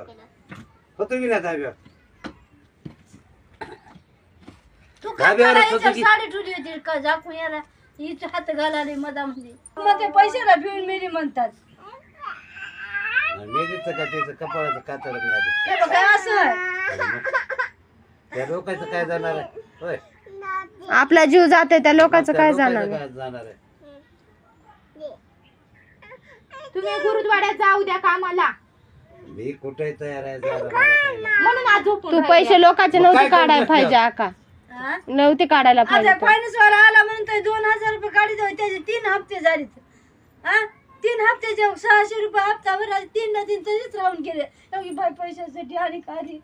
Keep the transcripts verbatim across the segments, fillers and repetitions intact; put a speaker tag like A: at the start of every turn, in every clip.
A: होतो की नाही धाब्यावर
B: तू काय साडी ठेवली होती का झाकून याला हिच हात घालाले मधामध्ये मग ते पैशाला भिवून मेली म्हणतात
A: मेलीचं का त्याचं कपाळाचं कातड मिळाली
B: ते बघ काय असं आहे.
A: त्या लोकांचं काय जाणार आहे होय
C: आपला जीव जाते त्या लोकांचं काय जाणार
A: काय जाणार आहे
D: तुम्ही गुरुद्वाड्यात जाऊ द्या कामाला
A: मी कुठे तयार आहे जायला, मला काही नाही.
D: म्हणून आज झोपून
C: तू पैसे लोकांचे
A: मग
C: नव्हते
A: काय
C: काढायला
A: करणार
C: पाहिजे आका
B: हा?
C: नव्हते काढायला पाहिजे
B: आता फायनान्स वाला आला म्हणून तर दोन हजार रुपये गाडी जाऊ त्याचे तीन हप्ते झाले हा तीन हप्त्याचे सहाशे रुपये हप्ता भर तीन ना तीन तसेच राहून गेले एवढी बाय पैशासाठी आणि खाली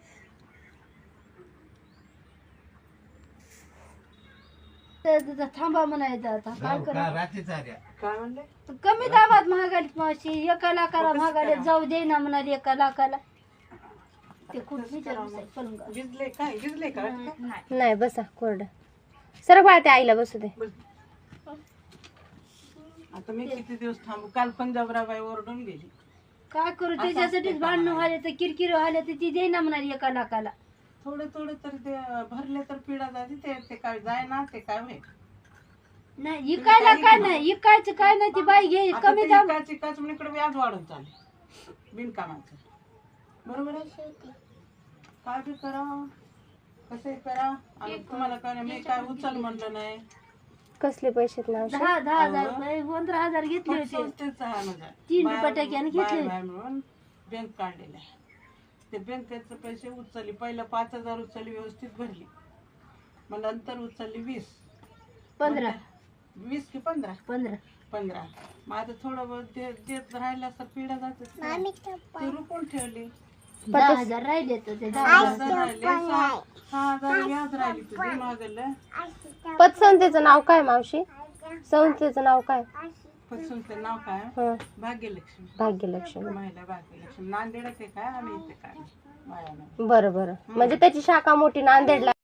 B: थांबा म्हणायचं आता काय
A: जाऊ
B: करा
A: का रात्रीच आल्या
B: कमी दाबात महागाडीत मावशी एका लाखाला महागाडीत जाऊ दे ना म्हणाली एका लाखाला ते खूप
C: नाही बसा कोरडा सर बाळ त्या आईला बसू दे
E: आता मी किती दिवस थांबू काल पंजाबराबाई ओरडून गेली
B: काय करू त्याच्यासाठीच भांडणं व्हायला तर किरकिर व्हायला तर ती दे ना म्हणाली एका लाखाला
E: थोडे थोडे तर ते भरले तर पिढा जाते ते ते काय जाय ना ते काय होईल
B: नाही इकायला काय नाही इकायचं काय नाही ती बाई घे कमी दाम
E: एकाच एकाच इकडे व्याज वाढून चालले बिनकामाचं बरोबर आहे काय बी करा कसंही करा आणि तुम्हाला काय नाही, मी काय उचल म्हणलं नाही
C: कसले पैसे ना
B: दहा दहा हजार रुपये पंधरा हजार घेतले होते
E: संस्थेचा हा माझा
B: तीन रुपये टक्क्याने घेतले
E: म्हणून बँक काढलेला आहे ते बँकेचे पैसे उचलली पहिलं पाच हजार उचलली व्यवस्थित भरली मग नंतर उचलली वीस
B: पंधरा
E: वीस की पंधरा
B: पंधरा
E: पंधरा मग आता थोडं बहुत दे- देत राहिलं असं पिढ्या जात ते रुपून ठेवली
B: दहा हजार राहिले तर ते दहा
E: सहा
B: हजार
E: हजार राहिले सहा सहा हजार व्याज राहिली तुझी मागलं
C: पतसंस्थेचं नाव काय मावशी संस्थेचं नाव काय
E: पसंतचं नाव काय
C: हं,
E: भाग्यलक्ष्मी
C: भाग्यलक्ष्मी
E: महिला भाग्यलक्ष्मी नांदेड ते काय आम्ही इथे काय माया
C: बरं बरं म्हणजे त्याची शाखा मोठी नांदेडला